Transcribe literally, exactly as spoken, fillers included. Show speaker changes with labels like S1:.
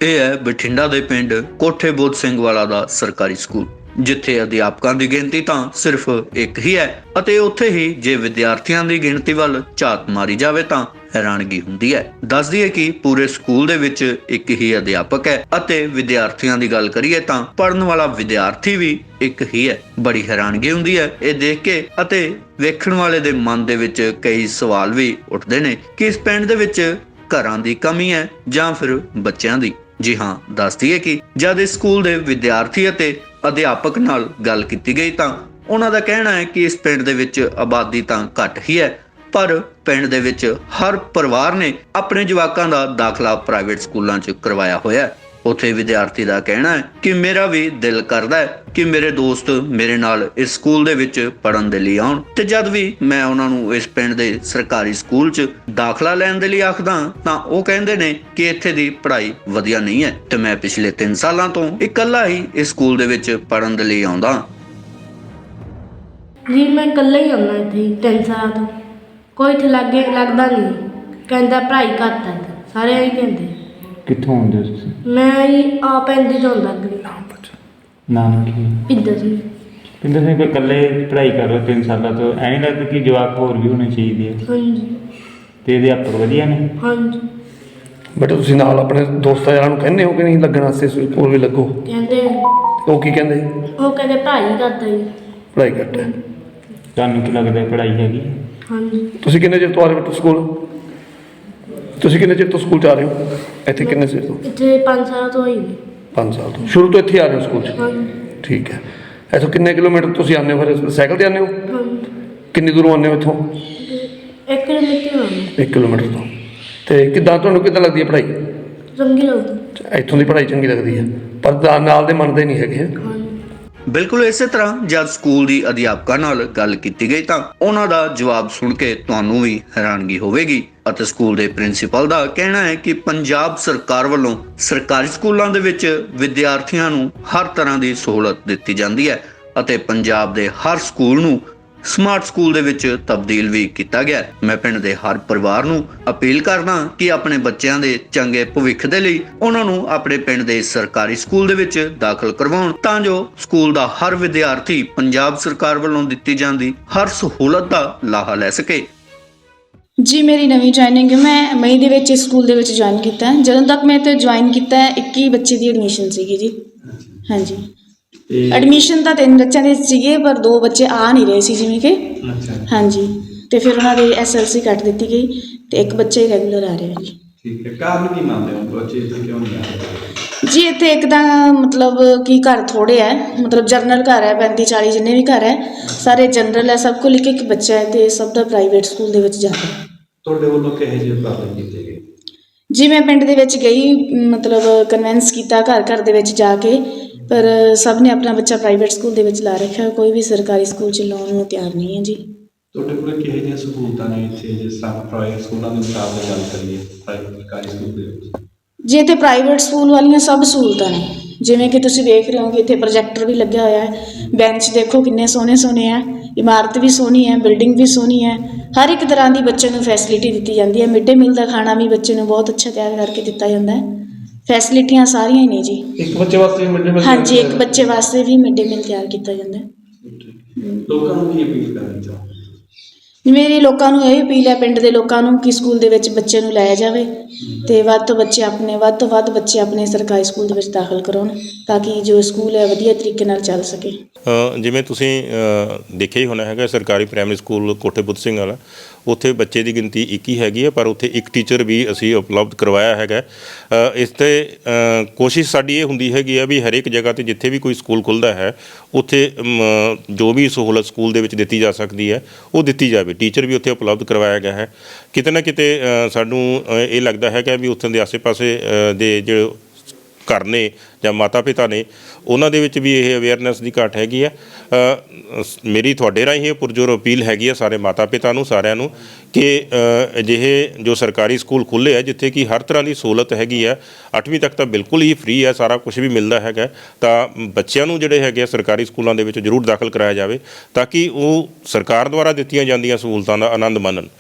S1: ਇਹ ਹੈ ਬਠਿੰਡਾ ਦੇ ਪਿੰਡ ਕੋਠੇ ਬੁੱਧ ਸਿੰਘ ਵਾਲਾ ਦਾ ਸਰਕਾਰੀ ਸਕੂਲ, ਜਿੱਥੇ ਅਧਿਆਪਕਾਂ ਦੀ ਗਿਣਤੀ ਤਾਂ ਸਿਰਫ ਇੱਕ ਹੀ ਹੈ ਅਤੇ ਉੱਥੇ ਹੀ ਜੇ ਵਿਦਿਆਰਥੀਆਂ ਦੀ ਗਿਣਤੀ ਵੱਲ ਝਾਤ ਮਾਰੀ ਜਾਵੇ ਤਾਂ ਹੈਰਾਨਗੀ ਹੁੰਦੀ ਹੈ। ਦੱਸ ਦਈਏ ਕਿ ਪੂਰੇ ਸਕੂਲ ਦੇ ਵਿੱਚ ਇੱਕ ਹੀ ਅਧਿਆਪਕ ਹੈ ਅਤੇ ਵਿਦਿਆਰਥੀਆਂ ਦੀ ਗੱਲ ਕਰੀਏ ਤਾਂ ਪੜ੍ਹਨ ਵਾਲਾ ਵਿਦਿਆਰਥੀ ਵੀ ਇੱਕ ਹੀ ਹੈ। ਬੜੀ ਹੈਰਾਨਗੀ ਹੁੰਦੀ ਹੈ ਇਹ ਦੇਖ ਕੇ ਅਤੇ ਵੇਖਣ ਵਾਲੇ ਦੇ ਮਨ ਦੇ ਵਿੱਚ ਕਈ ਸਵਾਲ ਵੀ ਉੱਠਦੇ ਨੇ ਕਿ ਇਸ ਪਿੰਡ ਦੇ ਵਿੱਚ ਘਰਾਂ ਦੀ ਕਮੀ ਹੈ ਜਾਂ ਫਿਰ ਬੱਚਿਆਂ ਦੀ। ਜੀ ਹਾਂ, ਦੱਸ ਦਈਏ ਕਿ ਜਦ ਇਸ ਸਕੂਲ ਦੇ ਵਿਦਿਆਰਥੀ ਅਤੇ ਅਧਿਆਪਕ ਨਾਲ ਗੱਲ ਕੀਤੀ ਗਈ ਤਾਂ ਉਹਨਾਂ ਦਾ ਕਹਿਣਾ ਹੈ ਕਿ ਇਸ ਪਿੰਡ ਦੇ ਵਿੱਚ ਆਬਾਦੀ ਤਾਂ ਘੱਟ ਹੀ ਹੈ, ਪਰ ਪਿੰਡ ਦੇ ਵਿੱਚ ਹਰ ਪਰਿਵਾਰ ਨੇ ਆਪਣੇ ਜਵਾਕਾਂ ਦਾ ਦਾਖਲਾ ਪ੍ਰਾਈਵੇਟ ਸਕੂਲਾਂ 'ਚ ਕਰਵਾਇਆ ਹੋਇਆ ਹੈ। ਉੱਥੇ ਵਿਦਿਆਰਥੀ ਦਾ ਕਹਿਣਾ ਹੈ ਕਿ ਮੇਰਾ ਵੀ ਦਿਲ ਕਰਦਾ ਹੈ ਕਿ ਮੇਰੇ ਦੋਸਤ ਮੇਰੇ ਨਾਲ ਇਸ ਸਕੂਲ ਦੇ ਵਿੱਚ ਪੜ੍ਹਨ ਦੇ ਲਈ ਆਉਣ, ਤੇ ਜਦ ਵੀ ਮੈਂ ਉਹਨਾਂ ਨੂੰ ਇਸ ਪਿੰਡ ਦੇ ਸਰਕਾਰੀ ਸਕੂਲ 'ਚ ਦਾਖਲਾ ਲੈਣ ਦੇ ਲਈ ਆਖਦਾ ਤਾਂ ਉਹ ਕਹਿੰਦੇ ਨੇ ਕਿ ਇੱਥੇ ਦੀ ਪੜ੍ਹਾਈ ਵਧੀਆ ਨਹੀਂ ਹੈ ਤੇ ਮੈਂ ਪਿਛਲੇ ਤਿੰਨ ਸਾਲਾਂ ਤੋਂ ਇਕੱਲਾ ਹੀ ਇਸ ਸਕੂਲ ਦੇ ਵਿੱਚ ਪੜ੍ਹਨ ਦੇ ਲਈ ਆਉਂਦਾ।
S2: ਜੀ ਮੈਂ ਇਕੱਲਾ ਹੀ ਆਉਂਦਾ ਇੱਥੇ ਤਿੰਨ ਸਾਲਾਂ ਤੋਂ, ਕੋਈ ਇੱਥੇ ਲਾਗੇ ਲੱਗਦਾ ਨਹੀਂ, ਕਹਿੰਦਾ ਪੜ੍ਹਾਈ ਘੱਟ ਹੈ, ਸਾਰੇ ਇਹੀ ਕਹਿੰਦੇ।
S3: ਕਿੱਥੋਂ ਆਉਂਦੇ ਹੋ ਤੁਸੀਂ?
S2: ਮੈਂ ਜੀ ਆਪ ਇੰਦੇ ਤੋਂ ਆਉਂਦਾ ਗਲੀ
S3: ਨਾਮ ਕੀ?
S2: ਪਿੰਦਰ ਸਿੰਘ।
S3: ਪਿੰਦਰ ਸਿੰਘ, ਕੋਈ ਇਕੱਲੇ ਪੜ੍ਹਾਈ ਕਰ ਰਹੇ ਤਿੰਨ ਸਾਲਾਂ ਤੋਂ, ਐਂ ਨਹੀਂ ਲੱਗਦਾ ਕਿ ਜਵਾਕ ਹੋਰ ਵੀ ਹੋਣੇ ਚਾਹੀਦੇ ਆ?
S2: ਹਾਂਜੀ।
S3: ਤੇ ਅਧਿਆਪਕ ਵਧੀਆ ਨੇ?
S2: ਹਾਂਜੀ।
S4: ਬੇਟਾ ਤੁਸੀਂ ਨਾਲ ਆਪਣੇ ਦੋਸਤਾਂ ਯਾਰਾਂ ਨੂੰ ਕਹਿੰਦੇ ਹੋ ਕਿ ਨਹੀਂ ਲੱਗਣ ਵਾਸਤੇ ਸਕੂਲ ਵੀ ਲੱਗੋ?
S2: ਕਹਿੰਦੇ
S4: ਉਹ ਕੀ ਕਹਿੰਦੇ?
S2: ਉਹ ਕਹਿੰਦੇ ਪੜ੍ਹਾਈ ਘੱਟ ਹੈ ਜੀ।
S4: ਪੜ੍ਹਾਈ ਘੱਟ ਹੈ।
S3: ਤੁਹਾਨੂੰ ਕੀ ਲੱਗਦਾ ਪੜ੍ਹਾਈ ਹੈਗੀ?
S2: ਹਾਂਜੀ।
S4: ਤੁਸੀਂ ਕਿੰਨੇ ਚਿਰ ਤੋਂ ਆ ਰਹੇ ਹੋ ਸਕੂਲ? ਤੁਸੀਂ ਕਿੰਨੇ ਚਿਰ ਤੋਂ ਸਕੂਲ 'ਚ ਆ ਰਹੇ ਹੋ? ਇੱਥੇ ਕਿੰਨੇ ਚਿਰ ਤੋਂ?
S2: ਇੱਥੇ ਪੰਜ ਸਾਲ ਤੋਂ ਹੋਈ ਨੇ।
S4: ਪੰਜ ਸਾਲ ਤੋਂ ਸ਼ੁਰੂ ਤੋਂ ਇੱਥੇ ਆ ਰਹੇ ਹੋ ਸਕੂਲ 'ਚ?
S2: ਹਾਂਜੀ।
S4: ਠੀਕ ਹੈ। ਇੱਥੋਂ ਕਿੰਨੇ ਕਿਲੋਮੀਟਰ ਤੁਸੀਂ ਆਉਂਦੇ ਹੋ? ਫਿਰ ਸਾਈਕਲ 'ਤੇ ਆਉਂਦੇ ਹੋ?
S2: ਹਾਂਜੀ।
S4: ਕਿੰਨੀ ਦੂਰੋਂ ਆਉਂਦੇ ਹੋ ਇੱਥੋਂ?
S2: ਇੱਕ ਕਿਲੋਮੀਟਰ ਹੋਣੀ।
S4: ਇੱਕ ਕਿਲੋਮੀਟਰ ਤੋਂ। ਅਤੇ ਕਿੱਦਾਂ ਤੁਹਾਨੂੰ ਕਿੱਦਾਂ ਲੱਗਦੀ ਹੈ ਪੜ੍ਹਾਈ?
S2: ਚੰਗੀ ਲੱਗਦੀ।
S4: ਇੱਥੋਂ ਦੀ ਪੜ੍ਹਾਈ ਚੰਗੀ ਲੱਗਦੀ ਹੈ, ਪਰ ਨਾਲ ਦੇ ਮੰਨਦੇ ਨਹੀਂ ਹੈਗੇ।
S2: ਹਾਂਜੀ।
S1: ਬਿਲਕੁਲ ਇਸੇ ਤਰ੍ਹਾਂ ਜਦ ਸਕੂਲ ਦੀ ਅਧਿਆਪਕਾਂ ਨਾਲ ਗੱਲ ਕੀਤੀ ਗਈ ਤਾਂ ਉਹਨਾਂ ਦਾ ਜਵਾਬ ਸੁਣ ਕੇ ਤੁਹਾਨੂੰ ਵੀ ਹੈਰਾਨਗੀ ਹੋਵੇਗੀ ਅਤੇ ਸਕੂਲ ਦੇ ਪ੍ਰਿੰਸੀਪਲ ਦਾ ਕਹਿਣਾ ਹੈ ਕਿ ਪੰਜਾਬ ਸਰਕਾਰ ਵੱਲੋਂ ਸਰਕਾਰੀ ਸਕੂਲਾਂ ਦੇ ਵਿੱਚ ਵਿਦਿਆਰਥੀਆਂ ਨੂੰ ਹਰ ਤਰ੍ਹਾਂ ਦੀ ਸਹੂਲਤ ਦਿੱਤੀ ਜਾਂਦੀ ਹੈ ਅਤੇ ਪੰਜਾਬ ਦੇ ਹਰ ਸਕੂਲ ਨੂੰ ਸਮਾਰਟ ਸਕੂਲ ਦੇ ਵਿੱਚ ਤਬਦੀਲ ਵੀ ਕੀਤਾ ਗਿਆ। ਮੈਂ ਪਿੰਡ ਦੇ ਹਰ ਪਰਿਵਾਰ ਨੂੰ ਅਪੀਲ ਕਰਦਾ ਕਿ ਆਪਣੇ ਬੱਚਿਆਂ ਦੇ ਚੰਗੇ ਭਵਿੱਖ ਦੇ ਲਈ ਉਹਨਾਂ ਨੂੰ ਆਪਣੇ ਪਿੰਡ ਦੇ ਸਰਕਾਰੀ ਸਕੂਲ ਦੇ ਵਿੱਚ ਦਾਖਲ ਕਰਵਾਉਣ ਤਾਂ ਜੋ ਸਕੂਲ ਦਾ ਹਰ ਵਿਦਿਆਰਥੀ ਪੰਜਾਬ ਸਰਕਾਰ ਵੱਲੋਂ ਦਿੱਤੀ ਜਾਂਦੀ ਹਰ ਸਹੂਲਤ ਦਾ ਲਾਹਾ ਲੈ ਸਕੇ।
S5: ਜੀ ਮੇਰੀ ਨਵੀਂ ਜੁਆਇਨਿੰਗ, ਮੈਂ ਮਈ ਦੇ ਵਿੱਚ ਇਸ ਸਕੂਲ ਦੇ ਵਿੱਚ ਜੁਆਇਨ ਕੀਤਾ। ਜਦੋਂ ਤੱਕ ਮੈਂ ਇੱਥੇ ਜੁਆਇਨ ਕੀਤਾ ਇੱਕੀ ਬੱਚੇ ਦੀ ਐਡਮਿਸ਼ਨ ਸੀਗੀ ਜੀ। ਹਾਂਜੀ, ਐਡਮਿਸ਼ਨ ਤਾਂ ਤਿੰਨ ਬੱਚਿਆਂ ਦੇ ਸੀਗੇ ਪਰ ਦੋ ਬੱਚੇ ਆ ਨਹੀਂ ਰਹੇ ਸੀ ਜਿਵੇਂ ਕਿ। ਹਾਂਜੀ, ਤੇ ਫਿਰ ਉਹਨਾਂ ਦੀ ਐਸ ਐਲ ਸੀ ਕੱਟ ਦਿੱਤੀ ਗਈ ਤੇ ਇੱਕ ਬੱਚਾ ਹੀ ਰੈਗੂਲਰ ਆ ਰਿਹਾ ਜੀ।
S6: ਠੀਕ ਹੈ, ਕਾਰਨ ਕੀ ਮੰਨਦੇ ਹੋ ਬੱਚੇ ਇੱਥੇ ਕਿਉਂ ਨਹੀਂ ਆ ਰਹੇ?
S5: ਜੀ ਇੱਥੇ ਇੱਕ ਤਾਂ ਮਤਲਬ ਕਿ ਘਰ ਥੋੜ੍ਹੇ ਹੈ, ਮਤਲਬ ਜਨਰਲ ਘਰ ਹੈ, ਪੈਂਤੀ ਚਾਲੀ ਜਿੰਨੇ ਵੀ ਘਰ ਹੈ ਸਾਰੇ ਜਨਰਲ ਹੈ, ਸਭ ਕੋਲ ਇੱਕ ਇੱਕ ਬੱਚਾ ਹੈ ਤੇ ਸਭ ਦਾ ਪ੍ਰਾਈਵੇਟ ਸਕੂਲ ਦੇ ਵਿੱਚ ਜਾਂਦਾ।
S6: ਤੁਹਾਡੇ ਵੱਲੋਂ ਕਿਹੋ ਜਿਹੇ ਉਪਰਾਲੇ ਕੀਤੇ ਗਏ?
S5: ਜੀ ਮੈਂ ਪਿੰਡ ਦੇ ਵਿੱਚ ਗਈ, ਮਤਲਬ ਕਨਵਿੰਸ ਕੀਤਾ ਘਰ ਘਰ ਦੇ ਵਿੱਚ ਜਾ ਕੇ, ਪਰ ਸਭ ਨੇ ਆਪਣਾ ਬੱਚਾ ਪ੍ਰਾਈਵੇਟ ਸਕੂਲ ਦੇ ਵਿੱਚ ਲਾ ਰੱਖਿਆ, ਕੋਈ ਵੀ ਸਰਕਾਰੀ ਸਕੂਲ 'ਚ ਲਾਉਣ ਨੂੰ ਤਿਆਰ ਨਹੀਂ ਹੈ ਜੀ।
S6: ਤੁਹਾਡੇ ਕੋਲ ਕਿਹੋ ਜਿਹੀਆਂ ਸਹੂਲਤਾਂ ਨੇ ਇੱਥੇ, ਜਿਸ ਤਰ੍ਹਾਂ ਪ੍ਰਾਈਵੇਟ ਸਕੂਲਾਂ ਦੇ ਮੁਕਾਬਲੇ ਗੱਲ ਕਰੀਏ ਪ੍ਰਾਈਵੇਟ ਸਰਕਾਰੀ ਸਕੂਲ ਦੇ ਵਿੱਚ?
S5: ਜੀ ਇੱਥੇ ਪ੍ਰਾਈਵੇਟ ਸਕੂਲ ਵਾਲੀਆਂ ਸਭ ਸਹੂਲਤਾਂ ਨੇ, ਜਿਵੇਂ ਕਿ ਤੁਸੀਂ ਦੇਖ ਰਹੇ ਹੋ ਕਿ ਇੱਥੇ ਪ੍ਰੋਜੈਕਟਰ ਵੀ ਲੱਗਿਆ ਹੋਇਆ ਹੈ, ਬੈਂਚ ਦੇਖੋ ਕਿੰਨੇ ਸੋਹਣੇ ਸੋਹਣੇ ਹੈ, ਇਮਾਰਤ ਵੀ ਸੋਹਣੀ ਹੈ, ਬਿਲਡਿੰਗ ਵੀ ਸੋਹਣੀ ਹੈ, ਹਰ ਇੱਕ ਤਰ੍ਹਾਂ ਦੀ ਬੱਚੇ ਨੂੰ ਫੈਸਿਲਿਟੀ ਦਿੱਤੀ ਜਾਂਦੀ ਹੈ। ਮਿਡ ਡੇ ਮੀਲ ਦਾ ਖਾਣਾ ਵੀ ਬੱਚੇ ਨੂੰ ਬਹੁਤ ਅੱਛਾ ਤਿਆਰ ਕਰਕੇ ਦਿੱਤਾ ਜਾਂਦਾ ਹੈ, ਫੈਸਿਲਿਟੀਆਂ ਸਾਰੀਆਂ ਹੀ ਨੇ ਜੀ।
S4: ਇੱਕ ਬੱਚੇ ਵਾਸਤੇ ਮਿਡ ਡੇ ਮੀਲ?
S5: ਹਾਂਜੀ, ਇੱਕ ਬੱਚੇ ਵਾਸਤੇ ਵੀ ਮਿਡ ਡੇ ਮੀਲ ਤਿਆਰ ਕੀਤਾ ਜਾਂਦਾ ਹੈ।
S6: ਲੋਕਾਂ ਨੂੰ ਕੀ ਅਪੀਲ ਕਰਨੀ ਚਾਹੋ?
S5: ਮੇਰੀ ਲੋਕਾਂ ਨੂੰ ਇਹ ਅਪੀਲ ਹੈ, ਪਿੰਡ ਦੇ ਲੋਕਾਂ ਨੂੰ, ਕਿ ਸਕੂਲ ਦੇ ਵਿੱਚ ਬੱਚੇ ਨੂੰ ਲਾਇਆ ਜਾਵੇ ਅਤੇ ਵੱਧ ਤੋਂ ਬੱਚੇ ਆਪਣੇ ਵੱਧ ਤੋਂ ਵੱਧ ਬੱਚੇ ਆਪਣੇ ਸਰਕਾਰੀ ਸਕੂਲ ਦੇ ਵਿੱਚ ਦਾਖਲ ਕਰਾਉਣ ਤਾਂ ਕਿ ਜੋ ਸਕੂਲ ਹੈ ਵਧੀਆ ਤਰੀਕੇ ਨਾਲ ਚੱਲ ਸਕੇ।
S7: ਜਿਵੇਂ ਤੁਸੀਂ ਦੇਖਿਆ ਹੀ ਹੋਣਾ ਹੈਗਾ, ਸਰਕਾਰੀ ਪ੍ਰਾਇਮਰੀ ਸਕੂਲ ਕੋਠੇ ਬੁੱਧ ਸਿੰਘ ਵਾਲਾ, ਉੱਥੇ ਬੱਚੇ ਦੀ ਗਿਣਤੀ ਇੱਕ ਹੀ ਹੈਗੀ ਹੈ, ਪਰ ਉੱਥੇ ਇੱਕ ਟੀਚਰ ਵੀ ਅਸੀਂ ਉਪਲਬਧ ਕਰਵਾਇਆ ਹੈਗਾ। ਇਸ 'ਤੇ ਕੋਸ਼ਿਸ਼ ਸਾਡੀ ਇਹ ਹੁੰਦੀ ਹੈਗੀ ਆ ਵੀ ਹਰੇਕ ਜਗ੍ਹਾ 'ਤੇ ਜਿੱਥੇ ਵੀ ਕੋਈ ਸਕੂਲ ਖੁੱਲ੍ਹਦਾ ਹੈ ਉੱਥੇ ਜੋ ਵੀ ਸਹੂਲਤ ਸਕੂਲ ਦੇ ਵਿੱਚ ਦਿੱਤੀ ਜਾ ਸਕਦੀ ਹੈ ਉਹ ਦਿੱਤੀ ਜਾਵੇ। ਟੀਚਰ ਵੀ ਉੱਥੇ ਉਪਲਬਧ ਕਰਵਾਇਆ ਗਿਆ ਹੈ। ਕਿਤੇ ਨਾ ਕਿਤੇ ਸਾਨੂੰ ਇਹ ਲੱਗਦਾ ਹੈਗਾ ਵੀ ਉੱਥੋਂ ਦੇ ਆਸੇ ਪਾਸੇ ਦੇ ਜਿਹੜੇ ਘਰ ਨੇ ਜਾਂ ਮਾਤਾ ਪਿਤਾ ਨੇ ਉਹਨਾਂ ਦੇ ਵਿੱਚ ਵੀ ਇਹ ਅਵੇਅਰਨੈਸ ਦੀ ਘਾਟ ਹੈਗੀ ਹੈ। ਮੇਰੀ ਤੁਹਾਡੇ ਰਾਹੀਂ ਇਹ ਪੁਰਜੋਰ ਅਪੀਲ ਹੈਗੀ ਹੈ ਸਾਰੇ ਮਾਤਾ ਪਿਤਾ ਨੂੰ, ਸਾਰਿਆਂ ਨੂੰ, ਕਿ ਅਜਿਹੇ ਜੋ ਸਰਕਾਰੀ ਸਕੂਲ ਖੁੱਲ੍ਹੇ ਹੈ ਜਿੱਥੇ ਕਿ ਹਰ ਤਰ੍ਹਾਂ ਦੀ ਸਹੂਲਤ ਹੈਗੀ ਹੈ, ਅੱਠਵੀਂ ਤੱਕ ਤਾਂ ਬਿਲਕੁਲ ਹੀ ਫ੍ਰੀ ਹੈ, ਸਾਰਾ ਕੁਛ ਵੀ ਮਿਲਦਾ ਹੈਗਾ, ਤਾਂ ਬੱਚਿਆਂ ਨੂੰ ਜਿਹੜੇ ਹੈਗੇ ਆ ਸਰਕਾਰੀ ਸਕੂਲਾਂ ਦੇ ਵਿੱਚ ਜ਼ਰੂਰ ਦਾਖਲ ਕਰਾਇਆ ਜਾਵੇ ਤਾਂ ਕਿ ਉਹ ਸਰਕਾਰ ਦੁਆਰਾ ਦਿੱਤੀਆਂ ਜਾਂਦੀਆਂ ਸਹੂਲਤਾਂ ਦਾ ਆਨੰਦ ਮਾਣਨ।